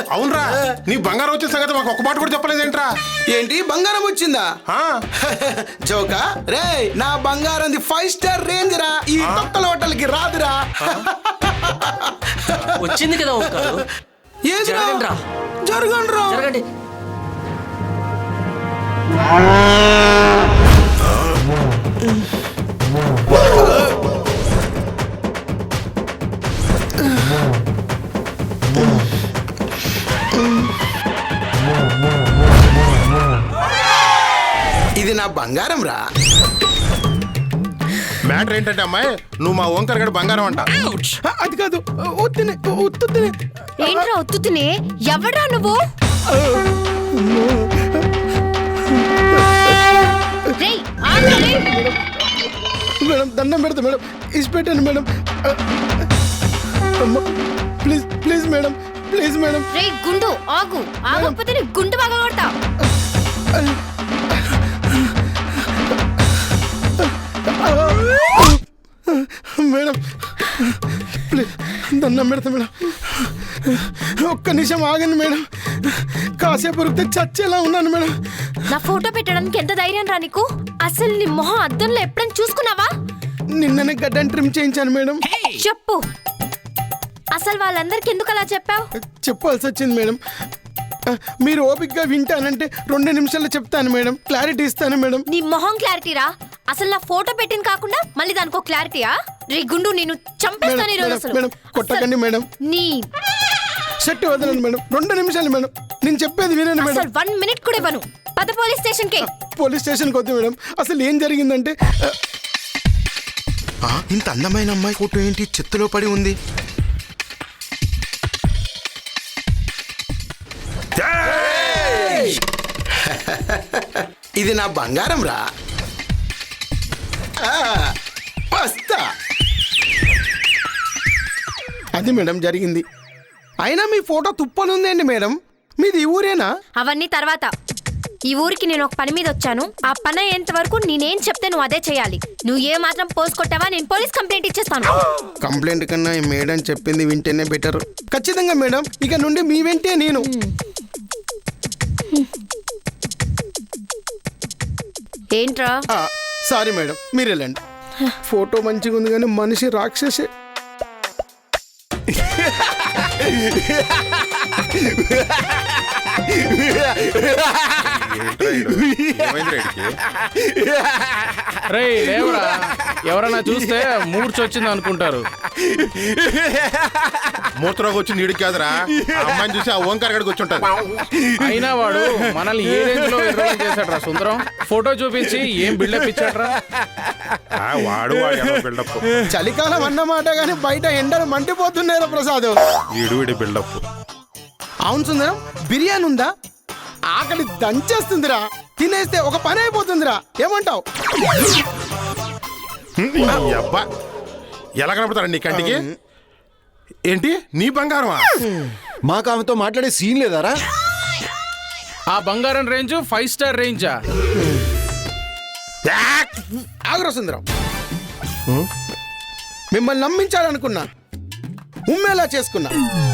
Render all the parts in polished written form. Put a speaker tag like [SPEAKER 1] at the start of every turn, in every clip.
[SPEAKER 1] అవునరా, నీ బంగారం వచ్చిన సంగతి మాకు ఒక్క మాట కూడా చెప్పలేదేంట్రా?
[SPEAKER 2] ఏంటి బంగారం వచ్చిందా? జోకా రే, నా బంగారం 5 స్టార్ రేంజ్ రా, ఈ తొక్కల హోటల్కి రాదురా.
[SPEAKER 3] వచ్చింది కదా ఓంకారు.
[SPEAKER 2] జరగండి. ఇది నా బంగారం రా.
[SPEAKER 1] మ్యాటర్ ఏంటంటే అమ్మాయి, నువ్వు మా ఓంకార్ గడి బంగారం అంట.
[SPEAKER 2] అది కాదు, ఒత్తునే.
[SPEAKER 4] ఏంట్రా ఒత్తునే? ఎవడ్రా నువ్వు? రేయ్, ఆగ్రా రేయ్.
[SPEAKER 2] మేడం దండం పెడతా మేడం, ఇసి పెట్టండి మేడం. Please madam.
[SPEAKER 4] రేయ్ గుండు, ఆగు. ఆగకపోతే నీ గుండు బాగా కొడతా.
[SPEAKER 2] మేడం ప్లీజ్ దండం పెడతా మేడం, ఒక్క నిమిషం ఆగండి మేడం. కాసేపు ఉరికితే చచ్చేలా ఉన్నాను మేడం.
[SPEAKER 4] నా ఫోటో పెట్టడానికి ఎంత ధైర్యం రా నీకు? అసలు నీ మొహం అద్దంలో ఎప్పుడైనా చూసుకున్నావా?
[SPEAKER 2] నిన్ననే గడ్డని ట్రిమ్ చేయించాను మేడం.
[SPEAKER 4] చెప్పు, అసలు వాళ్ళందరికి ఎందుకు అలా చెప్పావు?
[SPEAKER 2] చెప్పాల్సి వచ్చింది మేడం. మీరు ఓపికగా వింటానంటే 2 నిమిషాల్లో చెప్తాను మేడం, క్లారిటీ ఇస్తాను మేడం.
[SPEAKER 4] నీ మొహం క్లారిటీరా? అసలు నా ఫోటో పెట్టింది కాకుండా మళ్ళీ దానికో క్లారిటీయా? రే గుండు, నేను చంపేస్తాను ఈ రోజు. అసలు
[SPEAKER 2] మేడం కొట్టకండి మేడం,
[SPEAKER 4] నీ
[SPEAKER 2] షర్ట్ వదలండి మేడం. 2 నిమిషాలు మేడం, నేను చెప్పేది వినండి మేడం.
[SPEAKER 4] అసలు 1 మినిట్ కూడా ఇవ్వను. పద పోలీస్ స్టేషన్ కి.
[SPEAKER 2] పోలీస్ స్టేషన్కి వద్దు మేడం. అసలు ఏం జరిగిందంటే, ఇంత అందమైన అమ్మాయి ఫోటో ఏంటి చెత్తలో పడి ఉంది? ఇది నా బంగారం రా. వస్తా. అది మేడం జరిగింది. అయినా మీ ఫోటో తుప్పనుందండి మేడం. మీది ఈ ఊరేనా?
[SPEAKER 4] అవన్నీ తర్వాత. ఈ ఊరికి నేను ఒక పని మీద వచ్చాను. ఆ పని అయ్యేంత వరకు నేనేం చెప్తే నువ్వు అదే చేయాలి. నువ్వు ఏ మాత్రం పోస్ట్ కొట్టావా నేను పోలీస్ కంప్లైంట్ ఇచ్చేస్తాను.
[SPEAKER 2] కంప్లైంట్ కన్నా ఈ మేడం చెప్పింది వింటేనే బెటర్. ఖచ్చితంగా మేడం, ఇక నుండి మీ వెంటే నేను.
[SPEAKER 4] ఏంట్రా?
[SPEAKER 2] సారీ మేడం, మీరు వెళ్ళండి. ఫోటో మంచిగా ఉంది కానీ మనిషి రాక్షసే.
[SPEAKER 5] ఎవరన్నా చూస్తే మూర్చొచ్చింది అనుకుంటారు.
[SPEAKER 1] మూత్రోకి వచ్చింది ఇడికి కాదురా, అమ్మాయిని చూసి ఆ ఓంకార్ గడికి వచ్చి ఉంటారు.
[SPEAKER 5] అయినా వాడు మనల్ని ఏ రేంజ్ లో ఎర్రడం చేశాడ్రా సుందరం. ఫోటో చూపించి ఏం బిల్డప్ ఇచ్చాడ్రా.
[SPEAKER 1] వాడు బిల్డప్.
[SPEAKER 2] చలికాలం అన్నమాట కానీ బయట ఎండలు మండిపోతున్నారా ప్రసాద్.
[SPEAKER 1] వీడి బిల్డప్.
[SPEAKER 2] అవును సుందరం, బిర్యానీ ఉందా? ఆకలి దంచేస్తుందిరా, తినేస్తే ఒక పని అయిపోతుందిరా. ఏమంటావు?
[SPEAKER 1] అబ్బా, ఎలా కనపడతారా నీ కంటికి? ఏంటి నీ బంగారమా?
[SPEAKER 6] మాకు ఆమెతో మాట్లాడే సీన్ లేదారా?
[SPEAKER 5] ఆ బంగారం రేంజ్ 5 స్టార్ రేంజా?
[SPEAKER 2] ఆగ్రా సుందరం, మిమ్మల్ని నమ్మించాలనుకున్నా, ఉమ్మేలా చేసుకున్నా.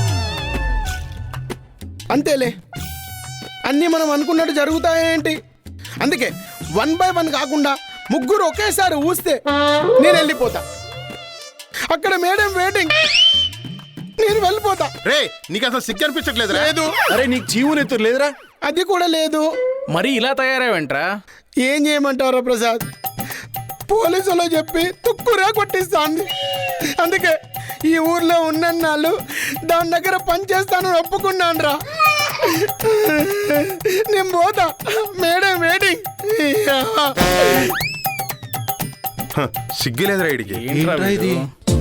[SPEAKER 2] అంతేలే, అన్నీ మనం అనుకున్నట్టు జరుగుతాయేంటి? అందుకే 1 by 1 కాకుండా 3 ఒకేసారి ఊస్తే నేను వెళ్ళిపోతా. అక్కడ మేడం వెయిటింగ్, నేను వెళ్ళిపోతా.
[SPEAKER 1] రే, నీకు అసలు సిగ్గు అనిపించట్లేదు?
[SPEAKER 2] లేదు.
[SPEAKER 6] అరే నీకు జీవనెత్తురు లేదురా?
[SPEAKER 2] అది కూడా లేదు.
[SPEAKER 5] మరి ఇలా తయారేవంట్రా?
[SPEAKER 2] ఏం చేయమంటారా ప్రసాద్, పోలీసులో చెప్పి తుక్కురా కొట్టిస్తాను. అందుకే ఈ ఊర్లో ఉన్నన్నాళ్ళు దాని దగ్గర పని చేస్తాను ఒప్పుకున్నాను రా. నేను పోతా, మేడం వెయిటింగ్.
[SPEAKER 1] సిగ్గులేదురా ఇడికి.
[SPEAKER 5] ఇది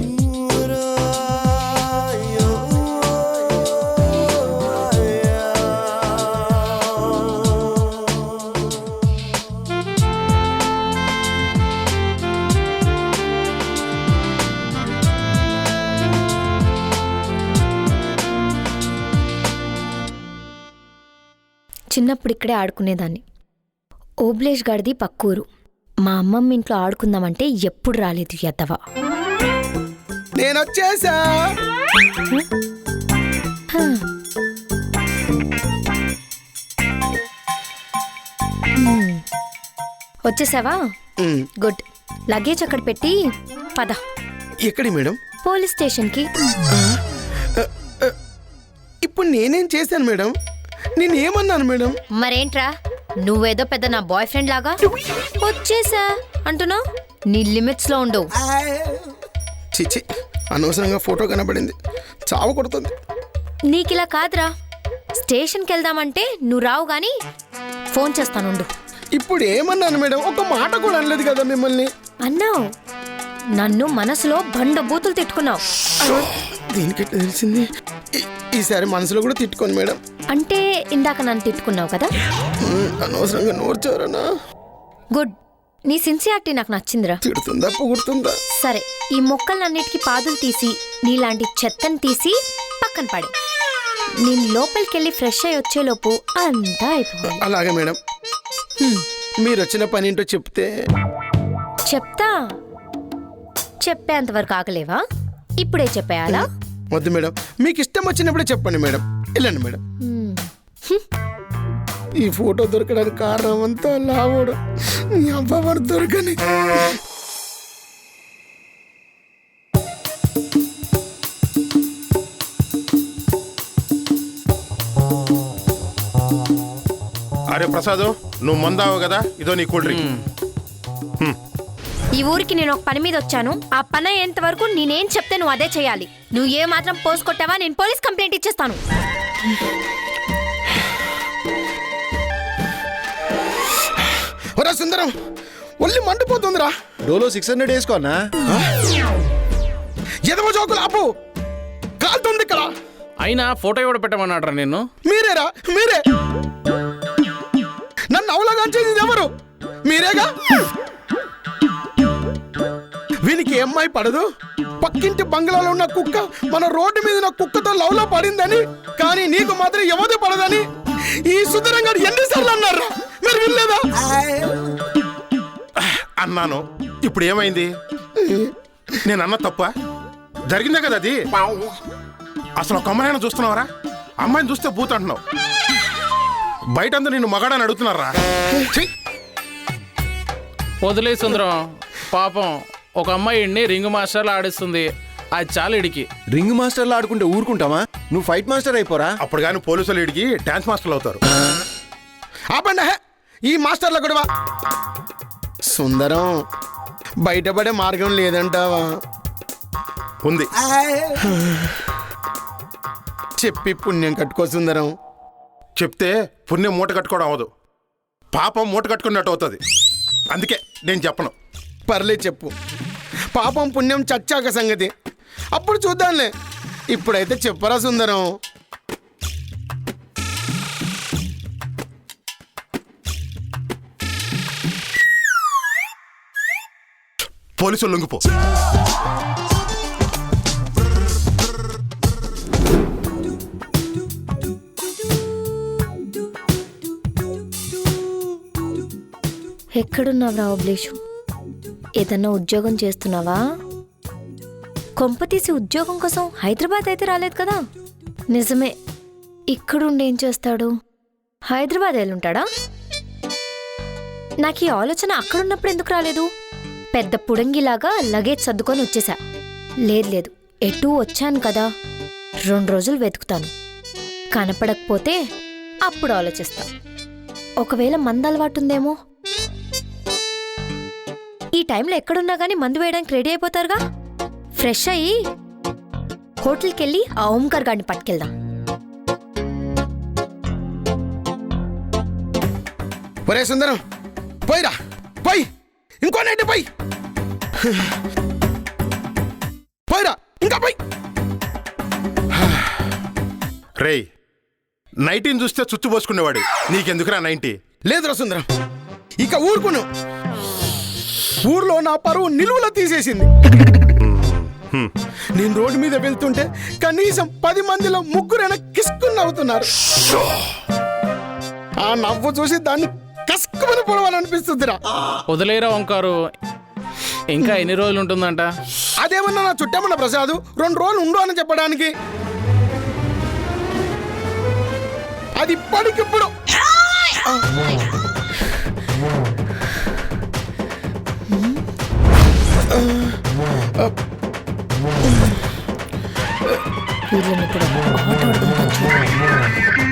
[SPEAKER 4] చిన్నప్పుడు ఇక్కడే ఆడుకునేదాన్ని. ఓబ్లేష్ గడిది పక్కూరు. మా అమ్మమ్మ ఇంట్లో ఆడుకుందామంటే ఎప్పుడు రాలేదు ఎద్దవ.
[SPEAKER 2] నేను వచ్చేసా.
[SPEAKER 4] వచ్చేసావా గుడ్. లగేజ్ అక్కడ పెట్టి పద.
[SPEAKER 2] ఎక్కడి మేడం?
[SPEAKER 4] పోలీస్ స్టేషన్కి.
[SPEAKER 2] ఇప్పుడు నేనేం చేశాను మేడం? నేను ఏమన్నాను మేడం?
[SPEAKER 4] మరేంట్రా నువ్వేదో పెద్ద నా బాయ్ ఫ్రెండ్ లాగా వచ్చేసా అంటున్నావు. నీ లిమిట్స్ లో ఉండవు.
[SPEAKER 2] చిచి, అనవసరంగా ఫోటో కనబడింది, చావు కొడుతుంది.
[SPEAKER 4] నీకిలా కాదురా, స్టేషన్కి వెళ్దామంటే నువ్వు రావు గాని ఫోన్ చేస్తానుండు.
[SPEAKER 2] ఇప్పుడు ఏమన్నాను మేడం? ఒక మాట కూడా అనలేదు కదా మిమ్మల్ని.
[SPEAKER 4] అన్నావు, నన్ను మనసులో బండ బూతులు తిట్టుకున్నావు.
[SPEAKER 2] దీనికెట్లా తెలిసింది? ఈసారి మనసులో కూడా తిట్టుకోను మేడం.
[SPEAKER 4] అంటే ఇందాక నన్ను తిట్టుకున్నావు కదా.
[SPEAKER 2] అనవసరంగా నోర్చారనా?
[SPEAKER 4] గుడ్. నీ సిన్సియారిటీ నాకు నచ్చిందిరా.
[SPEAKER 2] తిడుతుందా పొగుడుతుందా?
[SPEAKER 4] సరే, ఈ మొక్కలన్నిటికీ పాదులు తీసి నీలాంటి చెత్తని తీసి పక్కన పడే. నేను లోపలికెళ్ళి ఫ్రెష్ అయ్యి వచ్చేలోపు అంతా అయిపోయింది.
[SPEAKER 2] అలాగే మేడం. మీరు వచ్చిన పని ఏంటో చెప్తే.
[SPEAKER 4] చెప్తా. చెప్పేంతవరకు ఆగలేవా? ఇప్పుడే చెప్పేయాలా?
[SPEAKER 2] వద్దు మేడం, మీకు ఇష్టం వచ్చినప్పుడే చెప్పండి మేడం. వెళ్ళండి మేడం. ఈ ఫోటో దొరకడానికి కారణం అంతా లావోడు. నీ అబ్బావాడు దొరకని.
[SPEAKER 1] అరే ప్రసాద్, నువ్వు మందావు కదా, ఇదో నీ కూల్ డ్రింక్.
[SPEAKER 4] ఈ ఊరికి నేను ఒక పని మీద వచ్చాను. ఆ పని అయ్యేంత వరకు నేనేం చెప్తే నువ్వు అదే చేయాలి. నువ్వు ఏ మాత్రం పోసుకొట్టావా నేను పోలీస్ కంప్లైంట్ ఇచ్చేస్తాను.
[SPEAKER 2] ఒరే సుందరం, ఒళ్ళు మండిపోతుందిరా.
[SPEAKER 6] డోలో 600 వేసుకోనా?
[SPEAKER 2] ఎదవ జోకులు ఆపు, కాలుతుంది ఇక్కడ.
[SPEAKER 5] అయినా ఫోటో ఎవడ పెట్టమన్నాడ్రా నిన్ను?
[SPEAKER 2] మీరేరా, మీరే. నన్ను అవలగాంచేది ఎవరు? మీరేగా. వీనికి అమ్మాయి పడదు, పక్కింటి బంగ్లాలో ఉన్న కుక్క మన రోడ్డు మీద ఉన్న కుక్కతో లవ్ లో పడిందని, కానీ నీకు మాత్రం ఎవరు పడదని ఈ సుందరంగా ఎన్నిసార్లు అన్నారా? మీరు వినలేదా?
[SPEAKER 1] అన్నాను. ఇప్పుడు ఏమైంది? నేను అన్న తప్ప జరిగిందే కదా అది. అసలు ఒక అమ్మాయిని చూస్తున్నావరా? అమ్మాయిని చూస్తే బూత్ అంటున్నావు. బయట అందరూ నిన్ను మగాడని అడుగుతున్నారా?
[SPEAKER 5] వదిలే సుందరం, పాపం ఒక అమ్మాయిని రింగ్ మాస్టర్లు ఆడిస్తుంది. అది చాలా ఇడికి.
[SPEAKER 6] రింగ్ మాస్టర్లు ఆడుకుంటే ఊరుకుంటామా? నువ్వు ఫైట్ మాస్టర్ అయిపోరా.
[SPEAKER 1] అప్పుడు కానీ పోలీసులు ఇడికి డాన్స్ మాస్టర్లు అవుతారు.
[SPEAKER 2] ఆపండి ఈ మాస్టర్ల గొడవ. సుందరం, బయటపడే మార్గం లేదంటావా?
[SPEAKER 1] ఉంది.
[SPEAKER 2] చెప్పి పుణ్యం కట్టుకో సుందరం.
[SPEAKER 1] చెప్తే పుణ్యం మూట కట్టుకోవడం అవ్వదు, పాపం మూట కట్టుకున్నట్టు అవుతుంది. అందుకే నేను చెప్పను.
[SPEAKER 2] పర్లేదు చెప్పు. పాపం పుణ్యం చచ్చాక సంగతి అప్పుడు చూద్దాంలే. ఇప్పుడైతే చెప్పరా సుందరం.
[SPEAKER 1] పోలీసులు లొంగిపో.
[SPEAKER 4] ఎక్కడున్నావురా అభిలేషు? ఏదన్నా ఉద్యోగం చేస్తున్నావా? కొంపతీసి ఉద్యోగం కోసం హైదరాబాద్ అయితే రాలేదు కదా? నిజమే, ఇక్కడుండి ఏం చేస్తాడు? హైదరాబాద్ వెళ్ళుంటాడా? నాకు ఈ ఆలోచన అక్కడున్నప్పుడు ఎందుకు రాలేదు? పెద్ద పుడంగిలాగా లగేజ్ సర్దుకొని వచ్చేసా. లేదు, ఎటూ వచ్చాను కదా, 2 రోజులు వెతుకుతాను. కనపడకపోతే అప్పుడు ఆలోచిస్తా. ఒకవేళ మందలవాటుందేమో. ఈ టైంలో ఎక్కడున్నా గానీ మందు వేయడానికి రెడీ అయిపోతారుగా. ఫ్రెష్ అయ్యి హోటల్కి వెళ్ళి ఆ ఓంకార్ గాడిని పట్టుకెళ్దాం.
[SPEAKER 2] ఒరే సుందరం, పోయిరా, పోయి ఇంకో నైట్ పోయి, పోయిరా ఇంకా పోయి.
[SPEAKER 1] రేయ్, 90 చూస్తే చుచ్చు పోసుకునేవాడు, నీకెందుకురా 90?
[SPEAKER 2] లేదురా సుందరం, ఇక ఊరుకును. ఊర్లో నా పరువు నిలువులో తీసేసింది. నేను రోడ్డు మీద వెళ్తుంటే కనీసం 10 మందిలో 3 కిస్కుని నవ్వుతున్నారు. ఆ నవ్వు చూసి దాన్ని కస్కుమని పొడవాలనిపిస్తుందిరా.
[SPEAKER 5] వదిలేరా ఓంకారు, ఇంకా ఎన్ని రోజులు ఉంటుందంట?
[SPEAKER 2] అదేమన్నా నా చుట్టమన్న ప్రసాద్ 2 రోజులు ఉండు అని చెప్పడానికి. అది ఇప్పటికిప్పుడు
[SPEAKER 4] వీళ్ళని ఇప్పుడు ఆట ఆడుకుంటాను చూడు.